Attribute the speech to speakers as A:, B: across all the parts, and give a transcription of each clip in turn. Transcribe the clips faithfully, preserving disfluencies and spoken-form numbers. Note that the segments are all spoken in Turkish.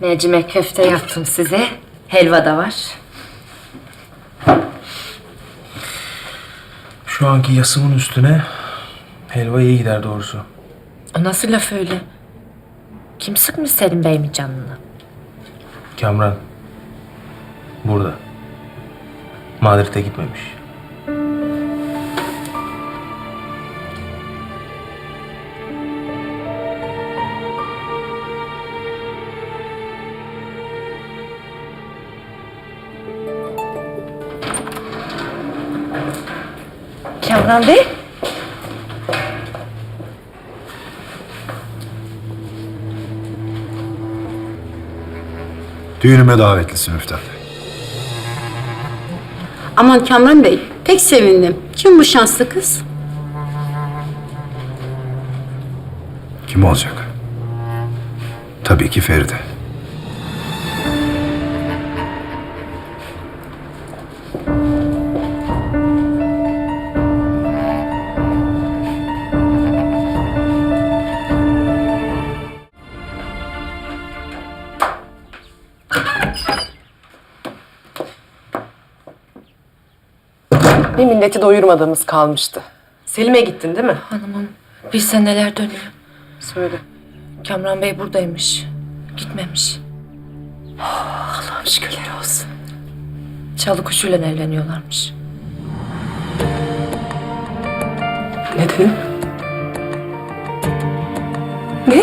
A: Mercimek köfte yaptım size. Helva da var.
B: Şu anki yasımın üstüne helva iyi gider doğrusu.
A: O nasıl laf öyle? Kim sıkmış Selim Bey'imin canını?
B: Kamran burada. Madrid'e gitmemiş.
A: Kamran Bey?
C: Düğünüme davetlisin Müftah.
D: Aman Kamran Bey, pek sevindim. Kim bu şanslı kız?
C: Kim olacak? Tabii ki Feride.
E: Bir milleti doyurmadığımız kalmıştı. Selim'e gittin değil mi?
A: Hanımım, bilse neler dönüyor.
E: Söyle.
A: Kamran Bey buradaymış. Gitmemiş.
E: Allah'ım şükürler olsun.
A: Çalı kuşuyla evleniyorlarmış.
E: Ne dedin? Ne?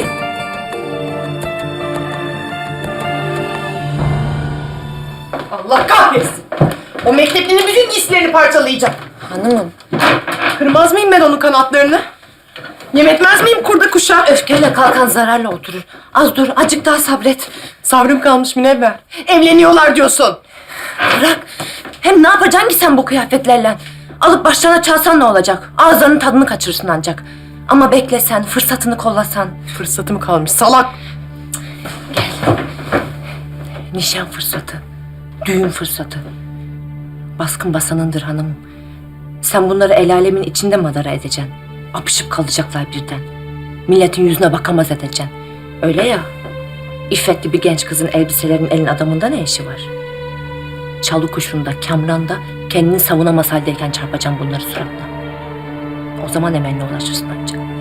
E: Allah kahretsin! O mekteplinin bütün giysilerini parçalayacağım.
A: Hanımım,
E: Kırmaz mıyım ben onun kanatlarını? Yem etmez miyim kurda kuşa?
A: öfkeyle kalkan zararla oturur. Az dur, acık daha sabret.
E: Sabrım kalmış Münevver. Evleniyorlar diyorsun.
A: Bırak. Hem ne yapacaksın ki sen bu kıyafetlerle? Alıp başlarına çalsan ne olacak? Ağızlarının tadını kaçırırsın ancak. Ama beklesen, fırsatını kollasan.
E: Fırsatım kalmış salak.
A: Nişan fırsatı, düğün fırsatı. Baskın basanındır hanımım. Sen bunları el alemin içinde madara edeceksin. Apışıp kalacaklar birden. Milletin yüzüne bakamaz edeceksin. Öyle ya, iffetli bir genç kızın elbiselerin elin adamında ne işi var? Çalı kuşunda, Kamran'da kendini savunamaz haldeyken çarpacaksın bunları suratına. O zaman emeline ulaşırsın ancak.